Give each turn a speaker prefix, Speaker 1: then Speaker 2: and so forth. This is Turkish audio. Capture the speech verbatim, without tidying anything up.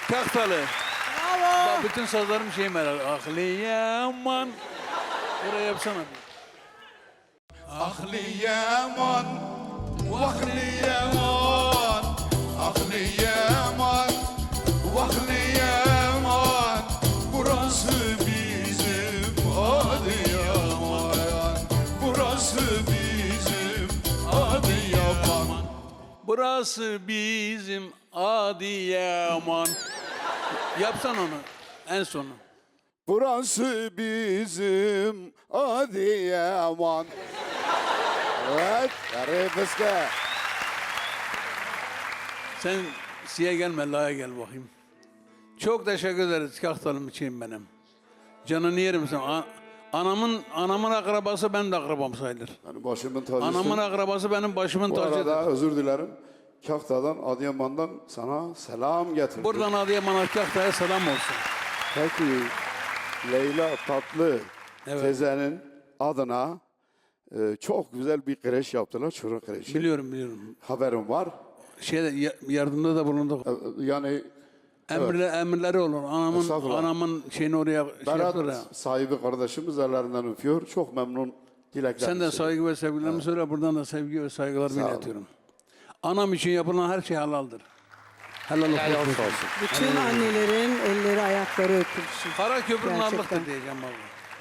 Speaker 1: Kahtalı.
Speaker 2: Bravo.
Speaker 1: Bak bütün sazlarım şey merak. Ahliyaman. Buraya yapsana.
Speaker 3: Ahliyaman, vahliyaman, ahliyaman, vahliyaman. Burası bizim Adıyaman, burası bizim Adıyaman.
Speaker 1: Burası bizim Adıyaman. Yapsan onu en sonu.
Speaker 3: Burası bizim Adıyaman. Evet, yarı fıska.
Speaker 1: Sen siye gelme, laya gel bakayım. Çok teşekkür ederiz Kahtalım için benim. Canını yerim sen. A- Anamın anamın akrabası benim de akrabam sayılır.
Speaker 3: Yani başımın tacısın.
Speaker 1: Anamın akrabası benim başımın
Speaker 3: Bu
Speaker 1: tacıdır.
Speaker 3: arada özür dilerim. Kahta'dan, Adıyaman'dan sana selam getirdim.
Speaker 1: Buradan Adıyaman'a Kahta'ya selam olsun.
Speaker 3: Peki Leyla Tatlı
Speaker 1: Evet.
Speaker 3: teyzenin adına e, çok güzel bir kreş yaptılar. Çocuk kreşi.
Speaker 1: Biliyorum biliyorum.
Speaker 3: Haberim var.
Speaker 1: Şeyde ya- yardımda da bulunduk.
Speaker 3: E, Yani
Speaker 1: Emirle, emirleri olur. Anamın
Speaker 3: Estağfurullah.
Speaker 1: anamın şeyini oraya şey yaptılar ya.
Speaker 3: Berat sahibi kardeşimiz ellerinden öpüyor. Çok memnun dilekler.
Speaker 1: Sen de saygı ve sevgilerimi söyle. Buradan da sevgi ve saygılarımı
Speaker 3: Sağ ol.
Speaker 1: iletiyorum. Anam için yapılan her şey halaldır. Helal olsun.
Speaker 3: Helal olsun.
Speaker 2: Bütün annelerin elleri ayakları öpülsün.
Speaker 1: Kara köprünün
Speaker 2: Gerçekten.
Speaker 1: Allah'tır diyeceğim baba.